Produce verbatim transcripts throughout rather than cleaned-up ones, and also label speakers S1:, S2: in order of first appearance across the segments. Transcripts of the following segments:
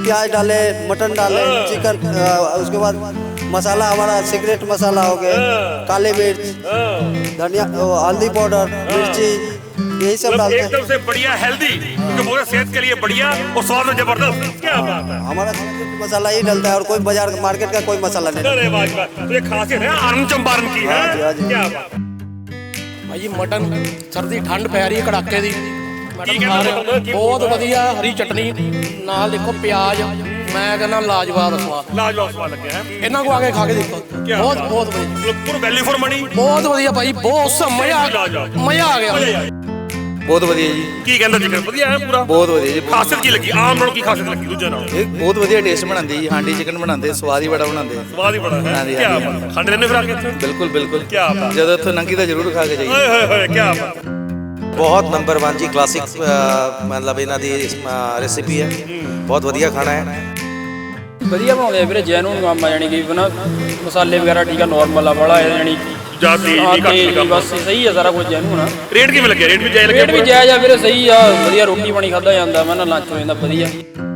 S1: प्याज डाले, मटन डाले, चिकन, उसके बाद मसाला हमारा सीक्रेट मसाला हो गए, काली मिर्च, धनिया, हल्दी पाउडर, मिर्ची, यही सब डालते हैं।
S2: एकदम से बढ़िया हेल्दी, क्योंकि पूरे सेहत के लिए बढ़िया और स्वाद में जबरदस्त। क्या बात है,
S1: हमारा सीक्रेट मसाला ही डलता है और कोई बाजार मार्केट का कोई मसाला नहीं।
S2: अरे वाह वाह, तो ये खासियत है आनंद चंपारण की है। क्या बात
S3: भाई मटन सर्दी ठंड पै रही है कड़ाके दी, मटन खा रहे हो बहुत वधिया, हरी चटनी नाल देखो प्याज, मैं कहना लाजवाब स्वाद,
S2: लाजवाब स्वाद लगे हैं।
S3: इन्हां को आके खा के देखो, बहुत बहुत वधिया,
S2: पूरा वैल्यू फॉर मनी,
S3: बहुत वधिया भाई, बहुत मजा मजा आ गया,
S4: ਬਹੁਤ ਵਧੀਆ ਜੀ।
S2: ਕੀ ਕਹਿੰਦਾ ਚਿਕਨ ਵਧੀਆ ਹੈ ਪੂਰਾ,
S4: ਬਹੁਤ ਵਧੀਆ ਜੀ।
S2: ਖਾਸਿयत ਕੀ ਲੱਗੀ ਆਮ ਨਾਲੋਂ, ਕੀ ਖਾਸਿयत ਲੱਗੀ ਦੂਜੇ ਨਾਲੋਂ?
S4: ਇਹ ਬਹੁਤ ਵਧੀਆ ਟੇਸਟ ਬਣਾਉਂਦੇ ਜੀ, ਹਾਂਡੀ ਚਿਕਨ ਬਣਾਉਂਦੇ, ਸਵਾਦ ਹੀ ਬੜਾ ਬਣਾਉਂਦੇ।
S2: ਸਵਾਦ ਹੀ ਬੜਾ ਹੈ।
S4: ਹਾਂਜੀ,
S2: ਕੀ
S4: ਹਾਂਜੀ।
S2: ਬਾਤ, ਖਾਂਦੇ ਰਹਿੰਦੇ ਫਿਰ ਆ ਕੇ ਇੱਥੇ?
S4: ਬਿਲਕੁਲ ਬਿਲकुल।
S2: ਕੀ ਬਾਤ,
S4: ਜਦੋਂ ਇੱਥੋਂ ਲੰਘੀ ਤਾਂ ਜ਼ਰੂਰ ਖਾ ਕੇ ਜਾਈਏ।
S2: ਓਏ ਹੋਏ ਹੋਏ, ਕੀ ਬਾਤ।
S5: ਬਹੁਤ ਨੰਬਰ वन ਜੀ ਕਲਾਸਿਕ, ਮਤਲਬ ਇਹਨਾਂ ਦੀ ਰੈਸਿਪੀ ਹੈ, ਬਹੁਤ ਵਧੀਆ ਖਾਣਾ ਹੈ।
S6: ਵਧੀਆ ਬਣਾਉਂਦੇ ਆ ਵੀਰੇ, ਜੈਨੂਨ ਕੰਮ ਆ, ਜਾਣੀ ਕਿ ਬਿਨਾਂ ਮਸਾਲੇ ਵਗੈਰਾ ਠੀਕ ਆ, ਨੋਰਮਲ ਆ ਵਾਲਾ ਹੈ, ਜਾਣੀ
S2: ਜਾਤੀ ਨਹੀਂ ਘੱਟ ਨਹੀਂ ਕੰਮ,
S6: ਬਸ ਸਹੀ ਆ ਸਾਰਾ ਕੁਝ ਜੈਨੂਨ ਆ।
S2: ਰੇਟ ਕਿਵੇਂ ਲੱਗਿਆ? ਰੇਟ ਵੀ ਜਾਇਜ਼ ਲੱਗਿਆ?
S6: ਰੇਟ ਵੀ ਜਾਇਜ਼ ਆ ਵੀਰੇ, ਸਹੀ ਆ, ਵਧੀਆ ਰੋਟੀ ਪਾਣੀ ਖਾਦਾ ਜਾਂਦਾ, ਮੈਂ ਨਾ ਲੰਚ ਹੋ ਜਾਂਦਾ ਵਧੀਆ।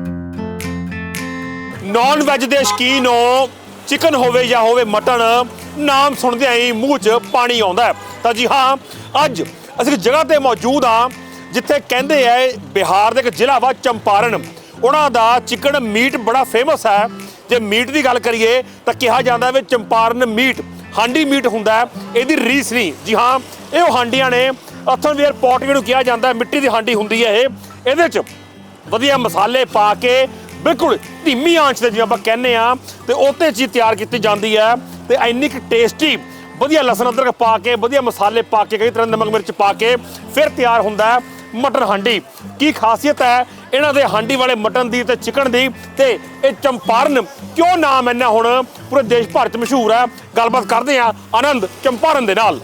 S2: ਨੌਨ ਵੈਜ ਦੇ ਸ਼ੌਕੀਨ ਹੋ, ਚਿਕਨ ਹੋਵੇ ਜਾਂ ਹੋਵੇ ਮਟਨ, ਨਾਮ ਸੁਣਦਿਆਂ ਹੀ ਮੂੰਹ 'ਚ ਪਾਣੀ ਆਉਂਦਾ ਹੈ। ਤਾਂ ਜੀ ਹਾਂ, ਅੱਜ ਅਸੀਂ ਇੱਕ ਜਗ੍ਹਾ ਤੇ ਮੌਜੂਦ ਹਾਂ ਜਿੱਥੇ ਕਹਿੰਦੇ ਆ ਬਿਹਾਰ ਦੇ ਇੱਕ ਜ਼ਿਲ੍ਹਾ ਵਾ ਚੰਪਾਰਨ, ਉਹਨਾਂ ਦਾ ਚਿਕਨ ਮੀਟ ਬੜਾ ਫੇਮਸ ਹੈ। ਜੇ ਮੀਟ ਦੀ ਗੱਲ ਕਰੀਏ ਤਾਂ ਕਿਹਾ ਜਾਂਦਾ ਵੀ ਚੰਪਾਰਨ ਮੀਟ ਹਾਂਡੀ ਮੀਟ ਹੁੰਦਾ ਹੈ, ਇਹਦੀ ਰੀਸ ਨਹੀਂ। ਜੀ ਹਾਂ, ਇਹ ਉਹ ਹਾਂਡੀਆਂ ਨੇ, ਅਥਨਵੇਅਰ ਪੋਟ ਜਿਹਨੂੰ ਕਿਹਾ ਜਾਂਦਾ, ਮਿੱਟੀ ਦੀ ਹਾਂਡੀ ਹੁੰਦੀ ਹੈ ਇਹ। ਇਹਦੇ 'ਚ ਵਧੀਆ ਮਸਾਲੇ ਪਾ ਕੇ ਬਿਲਕੁਲ ਧੀਮੀ ਆਂਚ ਤੇ ਜਿਵੇਂ ਆਪਾਂ ਕਹਿੰਦੇ ਆ, ਤੇ ਉਹਤੇ ਚੀਜ਼ ਤਿਆਰ ਕੀਤੀ ਜਾਂਦੀ ਹੈ। ਤੇ ਇੰਨੀ ਕੁ ਟੇਸਟੀ, ਵਧੀਆ ਲਸਣ ਅਦਰਕ ਪਾ ਕੇ, ਵਧੀਆ ਮਸਾਲੇ ਪਾ ਕੇ, ਕਈ ਤਰ੍ਹਾਂ ਦੇ ਨਮਕ ਮਿਰਚ ਪਾ ਕੇ ਫਿਰ ਤਿਆਰ ਹੁੰਦਾ ਹੈ ਮਟਨ ਹਾਂਡੀ। ਕੀ ਖਾਸੀਅਤ ਹੈ ਇਹਨਾਂ ਦੇ ਹਾਂਡੀ ਵਾਲੇ ਮਟਨ ਦੀ ਤੇ ਚਿਕਨ ਦੀ, ਤੇ ਇਹ ਚੰਪਾਰਨ ਕਿਉਂ ਨਾਮ ਇੰਨਾ ਹੁਣ ਪੂਰੇ ਦੇਸ਼ ਭਰ 'ਚ ਮਸ਼ਹੂਰ ਹੈ? ਗੱਲਬਾਤ ਕਰਦੇ ਆ ਆਨੰਦ ਚੰਪਾਰਨ ਦੇ ਨਾਲ।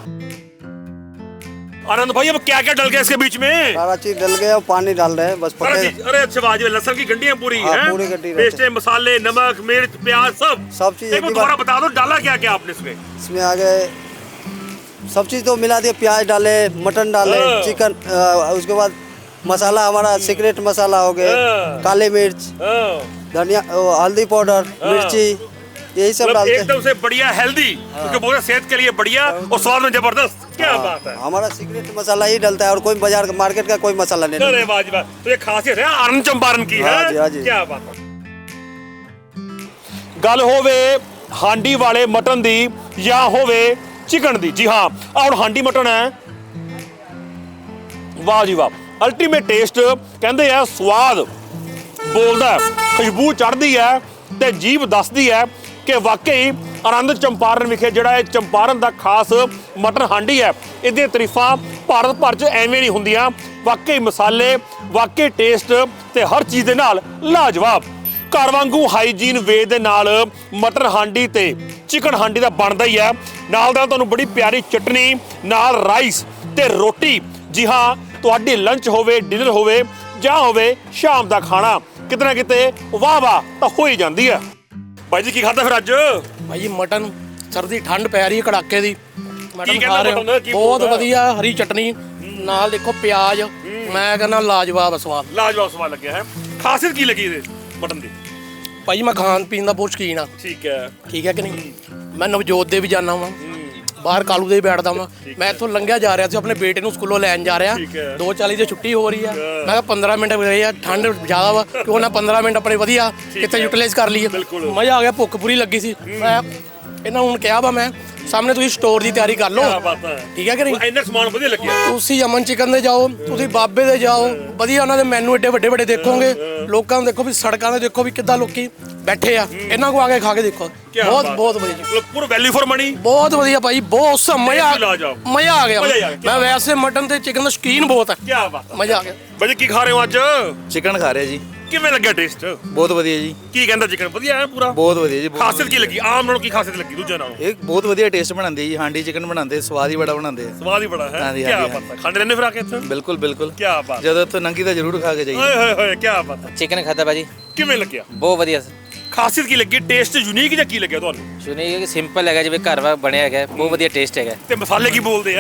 S2: आनंद भाई, अब क्या क्या डल गया इसके बीच में?
S1: सारा चीज डल गया, पानी डाल रहे हैं बस पके।
S2: अरे अच्छा, वाजिब, लहसुन की गंढियां पूरी
S1: हाँ,
S2: हैं,
S1: पूरी गंढी
S2: पेस्टे, मसाले, नमक, मिर्च, प्याज, सब
S1: सब चीज
S2: एक बार दोबारा बता दो, डाला क्या क्या आपने इसमें?
S1: इसमें आ गए सब चीज तो मिला दिया, प्याज डाले, मटन डाले, चिकन, उसके बाद मसाला हमारा सीक्रेट मसाला हो गए, काली मिर्च, धनिया, हल्दी पाउडर, मिर्ची, यही सब डालते हैं।
S2: एकदम से बढ़िया हेल्दी, क्योंकि पूरे सेहत के लिए बढ़िया और स्वाद में जबरदस्त। क्या बात है,
S1: हमारा सीक्रेट मसाला ही डलता है और कोई बाजार मार्केट का कोई मसाला नहीं।
S2: अरे वाह वाह, तो ये खासियत है आनंद चंपारण की है।
S1: हाँ जी, हाँ जी।
S2: क्या बात है। गल होवे हांडी वाले मटन दी या होवे चिकन दी, जी हाँ, और हांडी मटन है, वाह जी वाह, अल्टीमेट टेस्ट। कहते हैं स्वाद बोलदा है, खुशबू चढ़ती है ते जीभ दसदी है कि वाकई आनंद चंपारण विखे ਜਿਹੜਾ ਇਹ ਚੰਪਾਰਨ ਦਾ ਖਾਸ ਮਟਨ ਹਾਂਡੀ ਹੈ, ਇਹਦੀਆਂ ਤਾਰੀਫਾਂ ਭਾਰਤ ਭਰ 'ਚ ਐਵੇਂ ਨਹੀਂ ਹੁੰਦੀਆਂ। ਵਾਕਈ ਮਸਾਲੇ, ਵਾਕਈ ਟੇਸਟ ਤੇ ਹਰ ਚੀਜ਼ ਦੇ ਨਾਲ ਲਾਜਵਾਬ। ਘਰ ਵਾਂਗੂ ਹਾਈਜੀਨ ਵੇ ਦੇ ਨਾਲ ਮਟਨ ਹਾਂਡੀ ਤੇ ਚਿਕਨ ਹਾਂਡੀ ਦਾ ਬਣਦਾ ਹੀ ਹੈ। ਨਾਲ ਦਾ ਤੁਹਾਨੂੰ ਬੜੀ ਪਿਆਰੀ ਚਟਨੀ, ਨਾਲ ਰਾਈਸ ਤੇ ਰੋਟੀ। ਜੀ ਹਾਂ, ਤੁਹਾਡੀ ਲੰਚ ਹੋਵੇ, ਡਿਨਰ ਹੋਵੇ ਜਾਂ ਹੋਵੇ ਸ਼ਾਮ ਦਾ ਖਾਣਾ, ਕਿਤੇ ਨਾ ਕਿਤੇ ਵਾਹ ਵਾਹ ਤਾਂ ਹੋ ਹੀ ਜਾਂਦੀ ਹੈ। ਭਾਈ ਜੀ ਕੀ ਖਾਧਾ ਫਿਰ ਅੱਜ?
S3: ਭਾਈ ਮਟਨ ਸਰਦੀ ਠੰਡ ਪੈ ਰਹੀ ਹੈ ਕੜਾਕੇ ਦੀ, ਮਟਨ ਖਾ ਰਹੇ ਹੋ
S2: ਮਟਨ
S3: ਬਹੁਤ ਵਧੀਆ, ਹਰੀ ਚਟਨੀ ਨਾਲ ਦੇਖੋ ਪਿਆਜ, ਮੈਂ ਕਹਿੰਦਾ ਲਾਜਵਾਬ ਸਵਾਦ,
S2: ਲਾਜਵਾਬ ਸਵਾਦ ਲੱਗਿਆ ਹੈ। ਖਾਸੀਅਤ ਕੀ ਲੱਗੀ ਇਹਦੇ ਮਟਨ ਦੀ?
S3: ਭਾਈ ਮੈਂ ਖਾਣ ਪੀਣ ਦਾ ਬਹੁਤ ਸ਼ੌਕੀਨ ਆ।
S2: ਠੀਕ ਹੈ,
S3: ਠੀਕ ਹੈ ਕਿ ਨਹੀਂ? ਮੈਂ ਨਵਜੋਤ ਦੇ ਵੀ ਜਾਣਾ ਵਾਂ, ਬਾਹਰ ਕਾਲੂ ਦੇ ਵੀ ਬੈਠਦਾ ਵਾਂ। ਮੈਂ ਇੱਥੋਂ ਲੰਘਿਆ ਜਾ ਰਿਹਾ ਸੀ, ਆਪਣੇ ਬੇਟੇ ਨੂੰ ਸਕੂਲੋਂ ਲੈਣ ਜਾ ਰਿਹਾ, ਦੋ ਚਾਲੀ ਦੀ ਛੁੱਟੀ ਹੋ ਰਹੀ ਆ। ਮੈਂ ਕਿਹਾ ਪੰਦਰਾਂ ਮਿੰਟ ਗਏ ਆ, ਠੰਡ ਜ਼ਿਆਦਾ ਵਾ, ਕਿਉਂ ਨਾ ਪੰਦਰਾਂ ਮਿੰਟ ਆਪਣੇ ਵਧੀਆ ਕਿਤੇ ਯੂਟਿਲਾਈਜ਼ ਕਰ ਲਈਏ। ਮਜ਼ਾ ਆ ਗਿਆ, ਭੁੱਖ ਪੂਰੀ ਲੱਗੀ ਸੀ। ਮੈਂ ਇਹਨਾਂ ਨੂੰ ਹੁਣ ਕਿਹਾ ਵਾ, ਮੈਂ ਸਾਹਮਣੇ ਤੁਸੀਂ ਸਟੋਰ ਦੀ ਤਿਆਰੀ ਕਰ ਲਓ, ਠੀਕ ਹੈ ਕਿ ਨਹੀਂ?
S2: ਇੰਨਾ ਸਮਾਨ ਵਧੀਆ ਲੱਗਿਆ।
S3: ਤੁਸੀਂ ਅਮਨ ਚਿਕਨ ਦੇ ਜਾਓ, ਤੁਸੀਂ ਬਾਬੇ ਦੇ ਜਾਓ, ਵਧੀਆ ਉਹਨਾਂ ਦੇ ਮੈਨੂ ਏਡੇ ਵੱਡੇ ਵੱਡੇ ਦੇਖੋਗੇ। ਲੋਕਾਂ ਨੂੰ ਦੇਖੋ ਵੀ ਸੜਕਾਂ ਤੇ ਦੇਖੋ ਵੀ ਕਿੱਦਾਂ ਲੋਕੀ ਬੈਠੇ ਆ, ਇਹਨਾਂ ਕੋ ਆ ਕੇ ਖਾ ਕੇ ਦੇਖੋ, ਬਹੁਤ ਬਹੁਤ ਵਧੀਆ,
S2: ਪੂਰਾ ਵੈਲਿਊ ਫॉर ਮਨੀ,
S3: ਬਹੁਤ ਵਧੀਆ ਭਾਈ, ਬਹੁਤ ਮਜ਼ਾ ਮਜ਼ਾ ਆ ਗਿਆ।
S2: ਗਿਆ।
S3: ਮੈਂ ਵੈਸੇ ਮਟਨ ਤੇ ਚਿਕਨ ਦਾ ਸ਼ੌਕੀਨ ਬਹੁਤ ਹੈ।
S2: ਕੀ ਬਾਤ,
S3: ਮਜ਼ਾ ਆ ਗਿਆ।
S2: ਭਾਜੀ ਕੀ ਖਾ ਰਹੇ ਹੋ ਅੱਜ?
S4: ਚਿਕਨ ਖਾ ਰਿਹਾ ਜੀ।
S2: ਕਿਵੇਂ ਲੱਗਿਆ ਟੇਸਟ?
S4: ਬਹੁਤ ਵਧੀਆ ਜੀ।
S2: ਕੀ ਕਹਿੰਦਾ ਚਿਕਨ ਵਧੀਆ ਹੈ ਪੂਰਾ?
S4: ਬਹੁਤ ਵਧੀਆ ਜੀ।
S2: ਖਾਸੀਅਤ ਕੀ ਲੱਗੀ ਆਮ ਨਾਲੋਂ, ਕੀ ਖਾਸੀਅਤ ਲੱਗੀ ਦੂਜੇ ਨਾਲੋਂ?
S4: ਇਹ ਬਹੁਤ ਵਧੀਆ ਟੇਸਟ ਬਣਾਉਂਦੇ ਜੀ, ਹਾਂਡੀ ਚਿਕਨ ਬਣਾਉਂਦੇ, ਸਵਾਦ ਹੀ ਬੜਾ ਬਣਾਉਂਦੇ।
S2: ਸਵਾਦ ਹੀ ਬੜਾ ਹੈ।
S4: ਹਾਂਜੀ,
S2: ਕੀ
S4: ਹਾਂਜੀ,
S2: ਬਾਤ ਹੈ, ਖਾਂਦੇ ਰਹਿੰਦੇ ਫਿਰ ਆ ਕੇ ਇੱਥੇ?
S4: ਬਿਲकुल ਬਿਲकुल।
S2: ਕੀ ਬਾਤ,
S4: ਜਦੋਂ ਇੱਥੋਂ ਲੰਘੀ ਤਾਂ ਜ਼ਰੂਰ ਖਾ ਕੇ ਜਾਈਏ।
S2: ਓਏ ਹੋਏ ਹੋਏ, ਕੀ ਬਾਤ ਹੈ।
S7: चिकन खाता भाजी,
S2: ਕਿਵੇਂ ਲੱਗਿਆ?
S7: बहुत वधिया।
S2: ਖਾਸੀਅਤ ਕੀ ਲੱਗੀ? ਟੇਸਟ ਯੂਨੀਕ ਜਾਂ ਕੀ ਲੱਗਿਆ ਤੁਹਾਨੂੰ?
S7: सुनिए कि सिंपल है जिवें घर वा बनिया है, बहुत वधिया टेस्ट है।
S2: ਤੇ ਮਸਾਲੇ ਕੀ ਬੋਲਦੇ ਆ?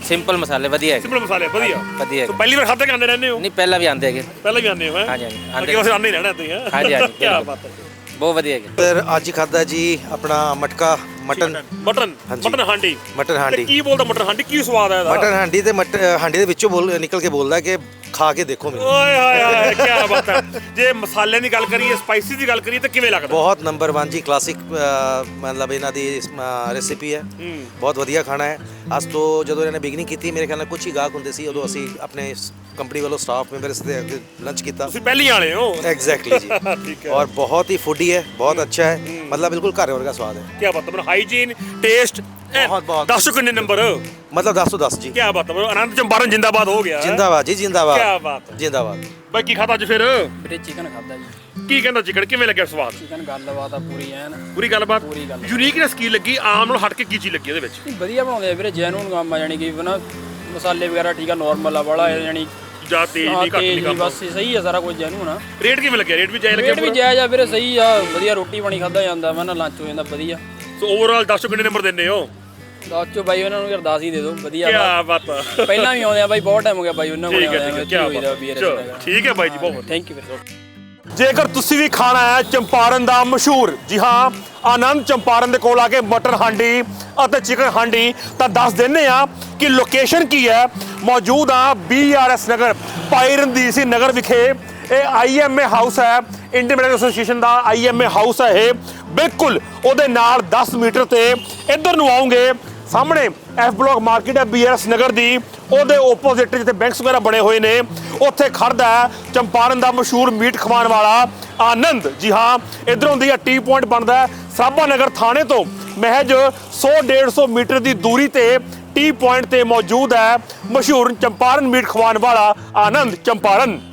S7: ਸਿੰਪਲ ਮਸਾਲੇ ਵਧੀਆ ਹੈਗੇ
S2: ਸਿੰਪਲ ਮਸਾਲੇ ਵਧੀਆ
S7: ਵਧੀਆ
S2: ਸੋ
S7: ਹੈਗੇ।
S2: ਪਹਿਲੀ ਵਾਰ ਖਾਧੇ ਖਾਂਦੇ ਰਹਿੰਦੇ ਹੋ
S7: ਨਹੀਂ ਪਹਿਲਾਂ ਵੀ ਆਉਂਦੇ ਹੈਗੇ
S2: ਪਹਿਲਾਂ ਵੀ ਆਉਂਦੇ ਹੋ ਹੈ
S7: ਹਾਂਜੀ, ਹਾਂਜੀ, ਆਉਂਦੇ
S2: ਅੱਗੇ ਵਾਰ ਆਉਂਦੇ ਹੀ ਰਹਿਣਾ ਤੁਸੀਂ ਹੈ
S7: ਹਾਂਜੀ, ਹਾਂਜੀ,
S2: ਕੀ
S7: ਬਿਲਕੁਲ।
S2: ਬਾਤ ਹੈ
S7: ਬਹੁਤ ਵਧੀਆ ਹੈਗੇ।
S5: ਫਿਰ ਅੱਜ ਹੀ ਖਾਦਾ ਜੀ ਆਪਣਾ ਮਟਕਾ ਮਟਨ
S2: ਮਟਨ
S5: ਹਾਂਜੀ।
S2: ਮਟਨ ਹਾਂਡੀ
S5: ਮਟਨ
S2: ਤੇ
S5: ਹਾਂਡੀ
S2: ਕੀ ਬੋਲਦਾ ਮਟਨ ਹਾਂਡੀ ਕੀ ਸਵਾਦ ਹੈ ਇਹਦਾ
S5: ਮਟਨ ਹਾਂਡੀ ਤੇ ਮਟ ਹਾਂਡੀ ਦੇ ਵਿੱਚੋਂ ਬੋਲ ਨਿਕਲ ਕੇ ਬੋਲਦਾ ਕਿ ਖਾ ਕੇ ਦੇਖੋ ਮੈਨੂੰ
S2: ਓਏ ਹੋਏ ਹੋਏ ਕੀ ਬਾਤ ਹੈ ਜੇ ਮਸਾਲਿਆਂ ਦੀ ਗੱਲ ਕਰੀਏ ਸਪਾਈਸੀ ਦੀ ਗੱਲ ਕਰੀਏ ਤਾਂ ਕਿਵੇਂ ਲੱਗਦਾ
S5: ਬਹੁਤ ਨੰਬਰ वन ਜੀ ਕਲਾਸਿਕ ਮਤਲਬ ਇਹਨਾਂ ਦੀ ਰੈਸਿਪੀ ਹੈ ਬਹੁਤ ਵਧੀਆ ਖਾਣਾ ਹੈ ਅੱਜ ਤੋਂ ਜਦੋਂ ਇਹਨਾਂ ਨੇ ਬਿਗਨਿੰਗ ਕੀਤੀ ਮੇਰੇ ਖਿਆਲ ਨਾਲ ਕੁਝ ਹੀ ਗਾਹਕ ਹੁੰਦੇ ਸੀ ਉਦੋਂ ਅਸੀਂ ਆਪਣੇ ਕੰਪਨੀ ਵੱਲੋਂ ਸਟਾਫ ਮੈਂਬਰਸ ਦੇ ਅੱਗੇ ਲੰਚ ਕੀਤਾ
S2: ਤੁਸੀਂ ਪਹਿਲੀ ਵਾਲੇ ਹੋ
S5: एग्जैक्टली जी
S2: ठीक है।
S5: और बहुत ही फूडी है बहुत अच्छा है मतलब बिल्कुल घर वर्गा स्वाद है
S2: ਕੀ ਬਾਤ ਹੈ ਮਤਲਬ ਹਾਈਜੀਨ ਟੇਸਟ
S5: ਬਹੁਤ, ਬਹੁਤ।
S2: ਦੱਸੋ ਕਿੰਨੇ ਨੰਬਰ
S5: मतलब दस सौ दस जी
S2: ਕੀ ਬਾਤ ਹੈ ਮਤਲਬ ਆਨੰਦ ਚੰਪਾਰਨ ਜਿੰਦਾਬਾਦ ਹੋ ਗਿਆ
S5: जिंदाबाद जी जिंदाबाद
S2: क्या बात है।
S5: जिंदाबाद
S2: ਬਾਈ ਕੀ ਖਾਧਾ ਅੱਜ ਫਿਰ
S6: ਵੀਰੇ ਚਿਕਨ ਖਾਦਾ ਜੀ
S2: ਕੀ ਕਹਿੰਦਾ ਚਿਕਨ ਕਿਵੇਂ ਲੱਗਿਆ ਸਵਾਦ
S6: ਚਿਕਨ ਗੱਲਬਾਤ ਆ ਪੂਰੀ ਐਨ
S2: ਪੂਰੀ ਗੱਲਬਾਤ
S6: ਪੂਰੀ ਗੱਲਬਾਤ।
S2: ਯੂਨੀਕਨੈਸ ਕੀ ਲੱਗੀ ਆਮ ਨਾਲ ਹਟ ਕੇ ਕੀ ਚੀਜ਼ ਲੱਗੀ ਉਹਦੇ ਵਿੱਚ
S6: ਨਹੀਂ, ਵਧੀਆ ਬਣਾਉਂਦੇ ਆ ਵੀਰੇ ਜੈਨੂਨ ਕੰਮ ਆ ਜਾਣੀ ਕਿ ਨਾ ਮਸਾਲੇ ਵਗੈਰਾ ਠੀਕ ਆ ਨਾਰਮਲ ਆ ਵਾਲਾ ਜਾਣੀ
S2: ਜਾਂ ਤੇਜ਼ ਨਹੀਂ ਘੱਟ ਨਹੀਂ ਕੰਮ
S6: ਬਸ ਸਹੀ ਆ ਸਾਰਾ ਕੁਝ ਜੈਨੂਨ ਆ
S2: ਰੇਟ ਕਿਵੇਂ ਲੱਗਿਆ ਰੇਟ ਵੀ ਜਾਇਜ਼ ਲੱਗਿਆ
S6: ਰੇਟ ਵੀ ਜਾਇਜ਼ ਆ ਵੀਰੇ ਸਹੀ ਆ ਵਧੀਆ ਰੋਟੀ ਪਾਣੀ ਖਾਦਾ ਜਾਂਦਾ ਵਾ ਨਾ ਲੰਚ ਹੋ ਜਾਂਦਾ ਵਧੀਆ
S2: ਸੋ ਓਵਰਆਲ ਦੱਸੋ ਕਿੰਨੇ ਨੰਬਰ ਦਿੰਦੇ ਹੋ
S6: ਦਸ ਚੋਂ ਬਾਈ ਉਹਨਾਂ ਨੂੰ ਅਰਦਾਸ ਹੀ ਦੇ ਦਿਓ ਵਧੀਆ
S2: ਕੀ
S6: ਵਾ।
S2: ਬਾਤ ਹੈ
S6: ਪਹਿਲਾਂ ਵੀ ਆਉਂਦੇ ਆ ਬਾਈ ਬਹੁਤ ਟਾਈਮ ਹੋ ਗਿਆ ਬਾਈ ਉਹਨਾਂ ਕੋਲ
S2: ਠੀਕ ਹੈ ਠੀਕ ਹੈ ਕੀ ਬਾਤ ਚਲੋ, ਠੀਕ ਹੈ ਬਾਈ ਜੀ ਬਹੁਤ
S6: ਥੈਂਕ ਯੂ ਵੀਰੇ
S2: ਜੇਕਰ ਤੁਸੀਂ ਵੀ ਖਾਣਾ ਹੈ ਚੰਪਾਰਨ ਦਾ ਮਸ਼ਹੂਰ ਜੀ ਹਾਂ ਆਨੰਦ ਚੰਪਾਰਨ ਦੇ ਕੋਲ ਆ ਕੇ ਮਟਰ ਹਾਂਡੀ ਅਤੇ ਚਿਕਨ ਹਾਂਡੀ ਤਾਂ ਦੱਸ ਦਿੰਨੇ ਆ ਕਿ ਲੋਕੇਸ਼ਨ ਕੀ ਹੈ ਮੌਜੂਦ ਆ ਬੀ ਆਰ ਐਸ ਨਗਰ ਭਾਈ ਰਣਧੀਰ ਸਿੰਘ ਨਗਰ ਵਿਖੇ ਇਹ ਆਈ ਐਮ ਏ ਹਾਊਸ ਹੈ ਇੰਡੀਅਨ ਮੈਡੀਕਲ ਐਸੋਸੀਏਸ਼ਨ ਦਾ ਆਈ ਐਮ ਏ ਹਾਊਸ ਹੈ ਇਹ ਬਿਲਕੁਲ ਉਹਦੇ ਨਾਲ ਦਸ ਮੀਟਰ ਤੇ ਇੱਧਰ ਨੂੰ ਆਉਂਗੇ ਸਾਹਮਣੇ ਐਫ ਬਲਾਕ ਮਾਰਕੀਟ ਹੈ ਬੀ ਆਰ ਐਸ ਨਗਰ ਦੀ ਉਹਦੇ ਓਪੋਜ਼ਿਟ ਜਿੱਥੇ ਬੈਂਕਸ ਵਗੈਰਾ ਬਣੇ ਹੋਏ ਨੇ ਉੱਥੇ ਖੜਦਾ ਹੈ ਚੰਪਾਰਨ ਦਾ ਮਸ਼ਹੂਰ ਮੀਟ ਖਵਾਉਣ ਵਾਲਾ ਆਨੰਦ ਜੀ ਹਾਂ ਇਧਰੋਂ ਦੀ ਟੀ ਪੁਆਇੰਟ ਬਣਦਾ ਹੈ ਸਰਾਭਾ ਨਗਰ ਥਾਣੇ ਤੋਂ ਮਹਿਜ ਸੌ ਡੇਢ ਸੌ ਮੀਟਰ ਦੀ ਦੂਰੀ ਤੇ ਟੀ ਪੁਆਇੰਟ ਤੇ ਮੌਜੂਦ ਹੈ ਮਸ਼ਹੂਰ ਚੰਪਾਰਨ ਮੀਟ ਖਵਾਉਣ ਵਾਲਾ ਆਨੰਦ ਚੰਪਾਰਨ